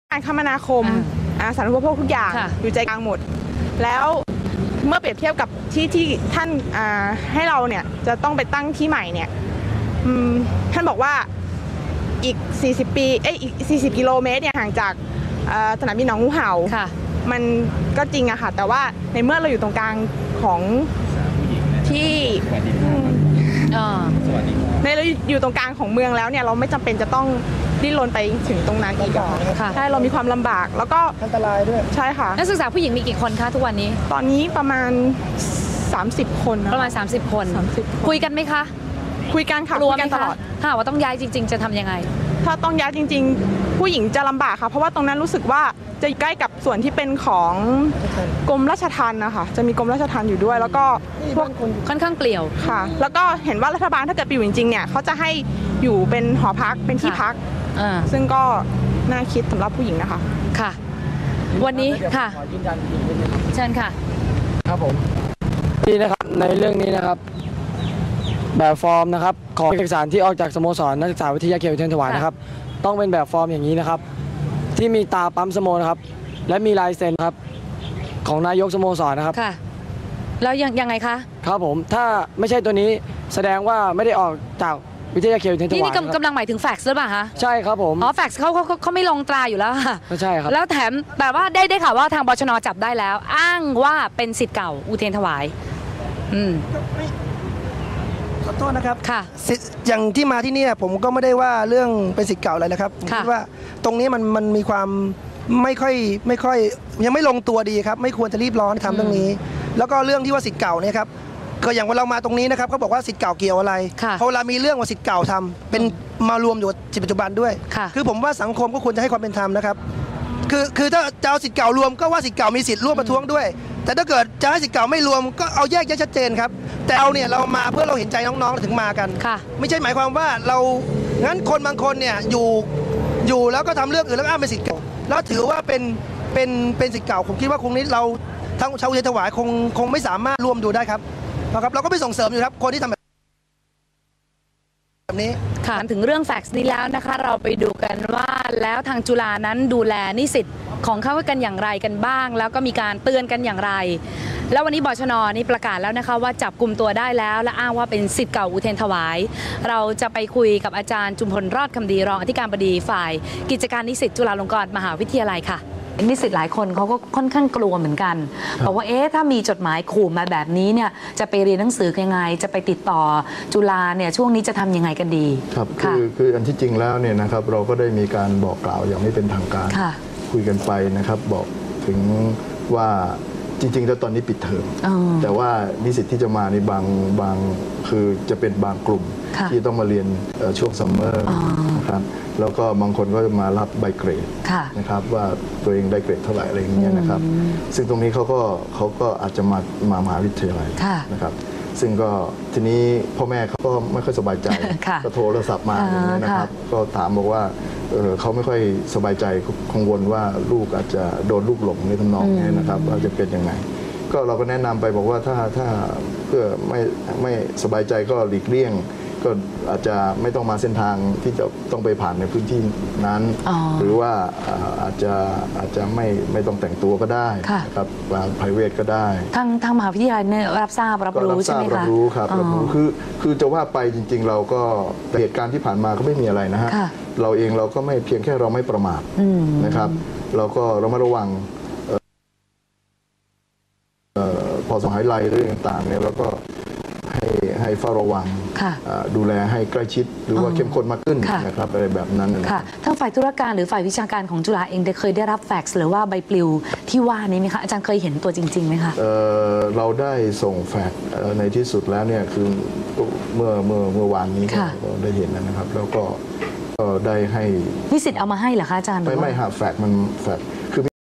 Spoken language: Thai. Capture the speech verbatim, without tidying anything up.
การคมนาคมสาธารณูปโภคทุกอย่างอยู่ใจกลางหมดแล้วเมื่อเปรียบเทียบกับที่ที่ท่านให้เราเนี่ยจะต้องไปตั้งที่ใหม่เนี่ยท่านบอกว่าอีกสี่สิบปีเอ้ยอีกสี่สิบกิโลเมตรเนี่ยห่างจากสนามบินหนองงูเห่ามันก็จริงอะค่ะแต่ว่าในเมื่อเราอยู่ตรงกลางของที่ในเราอยู่ตรงกลางของเมืองแล้วเนี่ยเราไม่จำเป็นจะต้องดิ้นรนไปถึงตรงนั้นอีกค่ะใช่เรามีความลำบากแล้วก็อันตรายด้วยใช่ค่ะนักศึกษาผู้หญิงมีกี่คนคะทุกวันนี้ตอนนี้ประมาณสามสิบคนประมาณสามสิบคนคุยกันไหมคะคุยกันค่ะคุยกันตลอดถ้าว่าต้องย้ายจริงๆจะทำยังไงถ้าต้องย้ายจริงๆผู้หญิงจะลำบากค่ะเพราะว่าตรงนั้นรู้สึกว่าจะใกล้กับส่วนที่เป็นของกรมราชทัณฑ์นะคะจะมีกรมราชทัณฑ์อยู่ด้วยแล้วก็พวกค่อนข้างเปลี่ยวค่ะแล้วก็เห็นว่ารัฐบาลถ้าเกิดไปอยู่จริงๆเนี่ยเขาจะให้อยู่เป็นหอพักเป็นที่พักซึ่งก็น่าคิดสำหรับผู้หญิงนะคะค่ะวันนี้ค่ะเชิญค่ะครับผมนี่นะครับในเรื่องนี้นะครับแบบฟอร์มนะครับของเอกสารที่ออกจากสโมสรนักศึกษาวิทยาเขตอุเทรนถวายนะครับต้องเป็นแบบฟอร์มอย่างนี้นะครับที่มีตาปั๊มสโมนะครับและมีลายเซ็นครับของนายกสโมสรนะครับค่ะแล้วยังยังไงคะครับผมถ้าไม่ใช่ตัวนี้แสดงว่าไม่ได้ออกจากวิทยาเขตอุเทรนถวายนี่กำลังหมายถึงแฟกซ์หรือเปล่าคะใช่ครับผมอ๋อแฟกซ์เขาเขาเขาไม่ลงตราอยู่แล้วค่ะใช่ครับแล้วแถมแต่ว่าได้ได้ข่าวว่าทางบชน.จับได้แล้วอ้างว่าเป็นศิษย์เก่าอุเทรนถวายอืมขอโทษนะครับค่ะอย่างที่มาที่นี่ผมก็ไม่ได้ว่าเรื่องเป็นศิษย์เก่าอะไรนะครับผมคิดว่าตรงนี้มันมันมีความไม่ค่อยไม่ค่อยยังไม่ลงตัวดีครับไม่ควรจะรีบร้อนทำเรื่องนี้แล้วก็เรื่องที่ว่าศิษย์เก่าเนี่ยครับก็อย่างเวลาเรามาตรงนี้นะครับเขาบอกว่าศิษย์เก่าเกี่ยวอะไรพอเวลามีเรื่องว่าศิษย์เก่าทำเป็นมารวมอยู่ศิษย์ปัจจุบันด้วยคือผมว่าสังคมก็ควรจะให้ความเป็นธรรมนะครับคือคือถ้าจะเอาศิษย์เก่ารวมก็ว่าศิษย์เก่ามีสิทธิ์ร่วมประท้วงด้วยแต่ถ้าเกิดจะให้ศิษย์เก่าไม่รวมก็เอาแยกแยะชัดเจนครับแต่เอาเนี่ยเรามาเพื่อเราเห็นใจน้องๆถึงมากันไม่ใช่หมายความว่าเรางั้นคนบางคนเนี่ยอยู่อยู่แล้วก็ทำเรื่องอื่นแล้วอ้างเป็นศิษย์เก่าแล้วถือว่าเป็นเป็นเป็นศิษย์เก่าผมคิดว่าคงนี้เราทั้งชาวอุเทรนถวายคงคงไม่สามารถร่วมดูได้ครับนะครับเราก็ไปส่งเสริมอยู่ครับคนที่ทำแบบนี้ค่ะถึงเรื่องแฟกซ์นี้แล้วนะคะเราไปดูกันว่าแล้วทางจุฬานั้นดูแลนิสิตของเขากันอย่างไรกันบ้างแล้วก็มีการเตือนกันอย่างไรแล้ววันนี้บชน.นี่ประกาศแล้วนะคะว่าจับกลุ่มตัวได้แล้วและอ้างว่าเป็นศิษย์เก่าอุเทรนถวายเราจะไปคุยกับอาจารย์จุมพลรอดคำดีรองอธิการบดีฝ่ายกิจการนิสิตจุฬาลงกรณ์มหาวิทยาลัยค่ะนิสิตหลายคนเขาก็ค่อนข้างกลัวเหมือนกันบอกว่าเอ๊ะถ้ามีจดหมายขู่มาแบบนี้เนี่ยจะไปเรียนหนังสือยังไงจะไปติดต่อจุฬาเนี่ยช่วงนี้จะทำยังไงกันดีครับคือคืออันที่จริงแล้วเนี่ยนะครับเราก็ได้มีการบอกกล่าวอย่างไม่เป็นทางการคุยกันไปนะครับบอกถึงว่าจริงๆแล้วตอนนี้ปิดเทอมแต่ว่านิสิตที่จะมาในบางบางคือจะเป็นบางกลุ่มที่ต้องมาเรียนช่วงซัมเมอร์นะครับแล้วก็บางคนก็จะมารับใบเกรดนะครับว่าตัวเองได้เกรดเท่าไหร่อะไรอย่างเงี้ยนะครับซึ่งตรงนี้เขาก็เขาก็อาจจะมามามหาวิทยาลัยนะครับซึ่งก็ทีนี้พ่อแม่เขาก็ไม่ค่อยสบายใจก็โทรศัพท์มาอย่างนี้นะครับก็ถามบอกว่าเขาไม่ค่อยสบายใจกังวลว่าลูกอาจจะโดนลูกหลงในทำนองนี้นะครับว่าจะเป็นยังไงก็เราก็แนะนำไปบอกว่าถ้าถ้าเพื่อไม่ไม่สบายใจก็หลีกเลี่ยงก็อาจจะไม่ต้องมาเส้นทางที่จะต้องไปผ่านในพื้นที่นั้นหรือว่าอาจจะอาจจะไม่ไม่ต้องแต่งตัวก็ได้ครับวางไพรเวทก็ได้ทางทางมหาวิทยาลัยเนี่ยรับทราบรับรู้ใช่ไหมคะรับรู้ครับรับรู้คือคือจะว่าไปจริงๆเราก็เหตุการณ์ที่ผ่านมาก็ไม่มีอะไรนะฮะเราเองเราก็ไม่เพียงแค่เราไม่ประมาทนะครับเราก็เรามาระวังพอสหายไลเรื่องต่างๆเนี่ยเราก็ให้ให้เฝ้าระวังดูแลให้ใกล้ชิดหรือว่าเข้มข้นมากขึ้นนะครับอะไรแบบนั้นค่ะทั้งฝ่ายธุรการหรือฝ่ายวิชาการของจุฬาเองได้เคยได้รับแฟกซ์หรือว่าใบปลิวที่ว่านี้ไหมคะอาจารย์เคยเห็นตัวจริงๆไหมคะเเราได้ส่งแฟกซ์ในที่สุดแล้วเนี่ยคือเมื่อเมื่อเมื่อวานนี้เราได้เห็นนะครับแล้วก็ได้ให้นิสิตเอามาให้เหรอคะอาจารย์ไม่ไม่หาแฟกซ์มันแฟกซ์คือ